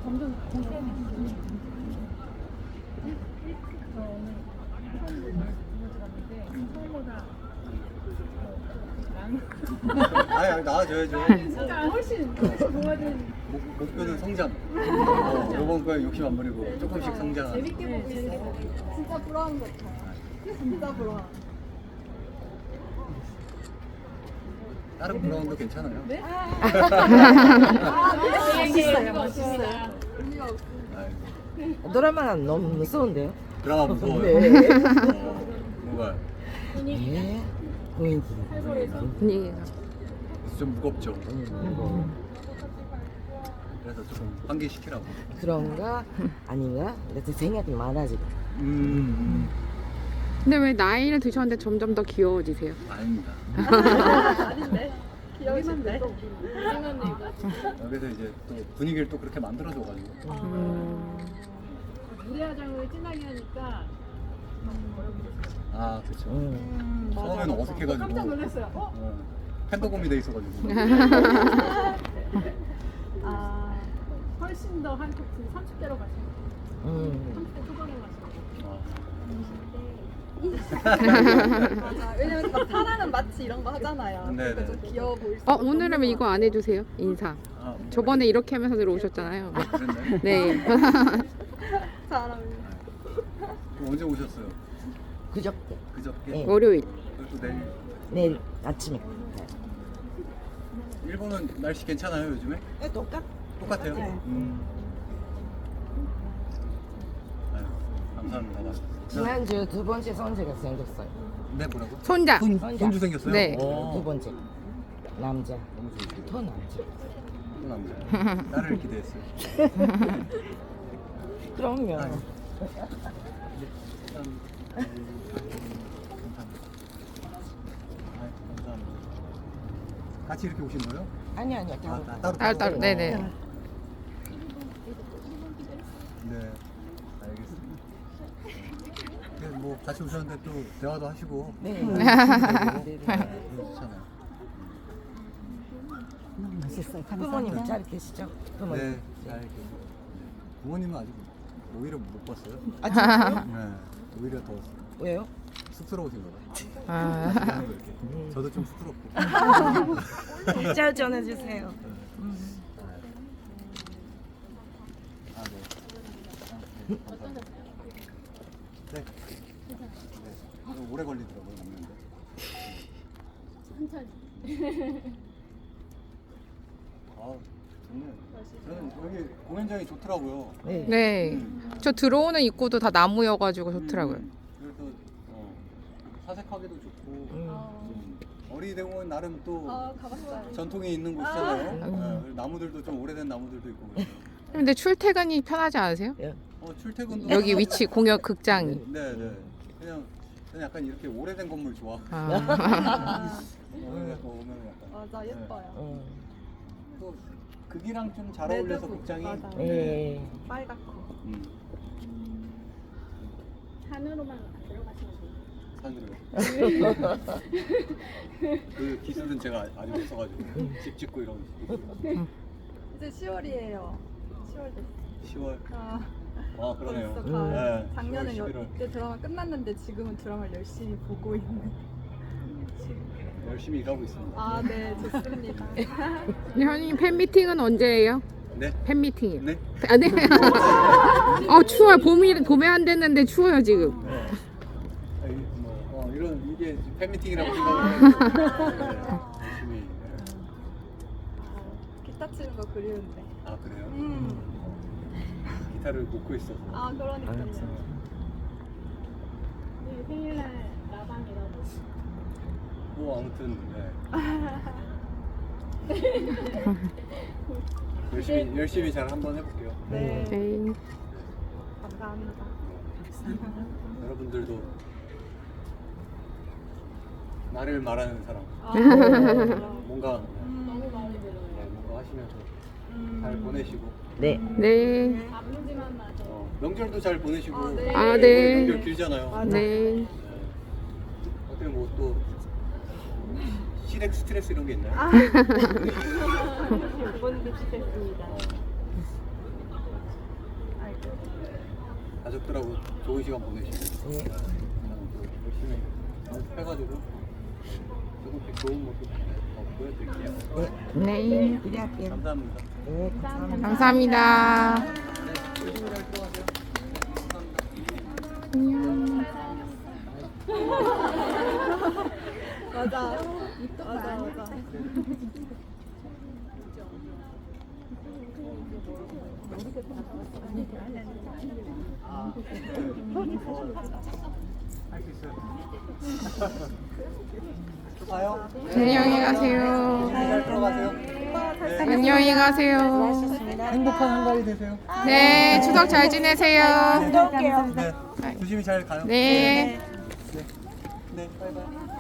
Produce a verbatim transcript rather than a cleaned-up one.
점점 공개는 저 오늘 처음 들었는데 처음보다 아니 아니 나와줘야죠. 진짜 훨씬 훨씬 좋아진. 목, 목표는 성장. 어, 이번 거에 욕심 안 부리고 조금씩 성장. 재밌게 보고 있어요. 진짜 부러운 것 같아요. 진짜 부러워. 다른 브라운도 괜찮아요. 네? 아, 멋있어요, 멋있어요. 의미가 없어. 아이고, 드라마는 너무 무서운데요? 드라마 무서워요. 네. 어, 뭔가 예.雰囲 분위기가. 좀 무겁죠. 음. 그래서 조금 환기시키라고. 그런가 아닌가? 그래서 생각이 많아지고. 음, 근데 왜 나이를 드셨는데 점점 더 귀여워지세요? 아닙니다. 아닌데? 귀여우신데? 여기서 이제 또 분위기를 또 그렇게 만들어줘가지고. 음. 무대화장을 진하게 하니까 아, 그렇죠. 음. 처음에는 어색해가지고. 깜짝 놀랐어요. 어? 어, 팬더곰이 돼 있어가지고. 아 훨씬 더 한국 삼십 대로 가시는 음. 삼십 대 초반으로 가시는 아, 맞아. 왜냐면 막 사랑은 마치 이런 거 하잖아요. 네, 그러니까 네. 좀 귀여워 보일 수 어, 오늘은 이거 안 해주세요? 인사. 아, 저번에 이렇게 하면서 들어오셨잖아요. 아, 그랬나요? 네. 잘 어울려. 그럼 언제 오셨어요? 그저께. 그저께? 네. 월요일. 그리고 또 내일. 내일 아침에. 일본은 날씨 괜찮아요 요즘에? 네, 똑같. 똑같아요? 네. 음. 아유, 감사합니다. 지난주 두 번째 손주가 생겼어요. 네, 뭐라고? 손자. 손, 손자. 손주 생겼어요? 네. 오. 두 번째 남자. 너무 좋으시고. 더 남자. 또 남자. 딸을 기대했어요. 그럼요. 아유. 참, 음, 감사합니다. 아유, 감사합니다. 같이 이렇게 오신 거예요? 아니 아니요. 아, 따로. 따- 따로 따로 따로. 네네. 네, 알겠습니다. 네, 뭐 같이 오셨는데 또 대화도 하시고 네. 네, 네. 좋잖아요. 너무 맛있어요. 부모님 잘 계시죠? 부모님. 네, 잘 계세요. 부모님은 아직 오히려 못 봤어요. 아 진짜요? 네, 오히려 더 왜요? 쑥스러우신 거예요. 아. 이렇게. 저도 좀 쑥스럽고. 잘 전해주세요. 아, 네. 아, 네, 감사합니다. 네. 네. 좀 오래 걸리더라고요, 먹는데. 천천히. 아, 좋네요. 저는 여기 공연장이 좋더라고요. 네. 네. 저 들어오는 입구도 다 나무여가지고 좋더라고요. 음, 그래서 어, 사색하기도 좋고 음. 음, 어린이대공원 나름 또 아, 가봤어요. 전통이 있는 곳이잖아요. 음. 네, 그리고 나무들도 좀 오래된 나무들도 있고 그래서. 근데 출퇴근이 편하지 않으세요? 예. 어, 출퇴근도 여기 위치 공연 극장이. 네, 네. 그냥 그냥 약간 이렇게 오래된 건물 좋아. 아. 아, 오면 오면 약간. 맞아, 예뻐요. 음. 또 극이랑 좀 잘 어울려서 레드북, 극장이. 맞아. 네. 빨갛고. 음, 산으로만 안 들어가시면 돼요. 산으로. 그 기술은 제가 아직 없어가지고 집 짓고 이런 거. 이제 시월이에요. 시월 됐어. 시월. 아, 아 그러네요. 벌써 음. 가을. 네, 작년에 시월, 여, 십일월. 이때 드라마 끝났는데 지금은 드라마를 열심히 보고 있는. 열심히 일하고 있습니다. 아, 네, 좋습니다. 현님 팬미팅은 언제예요? 네. 팬미팅이요. 네. 아, 네. 어, 추워요. 봄이, 봄에 안 됐는데 추워요, 지금. 네. 아, 이, 뭐, 어, 이런 이게 팬미팅이라고 생각을 해요. 네, 열심히. 네. 기타 치는 거 그리운데. 아 그래요? 음. 기타를 놓고 있어서. 아, 그러니까요. 네, 생일날 라방이라고. 뭐 아무튼 네. 열심히 열심히 잘 한번 해볼게요. 네, 네. 감사합니다. 여러분들도 나를 말하는 사람. 아, 뭔가 음. 네, 뭔가 하시면서 음. 잘 보내시고 네. 네. 아프지만 마세요. 어, 명절도 잘 보내시고. 아, 네. 아, 네. 명절 길잖아요. 맞아. 네. 네. 어떻게 뭐 또 시댁 스트레스 이런 게 있나요? 아, 두번 비슷했습니다. 가족들하고 좋은 시간 보내시고 네. 저는 또 열심히 연습해가지고 조금씩 좋은 모습 더 보여드릴게요. 네. 기대할게요. 감사합니다. 네, 감사합니다. 감사합니다. 네, 조심히 잘 들어가세요. 안녕. 맞아. 맞아, 맞아. 할 수 있어요. 또 봐요. 안녕히 가세요. 잘 들어가세요. 안녕히 가세요. 행복한 한가위 되세요. 네, 추석 잘 지내세요. 네, 조심히 잘 가요. 네. 네, 네, 바이바이.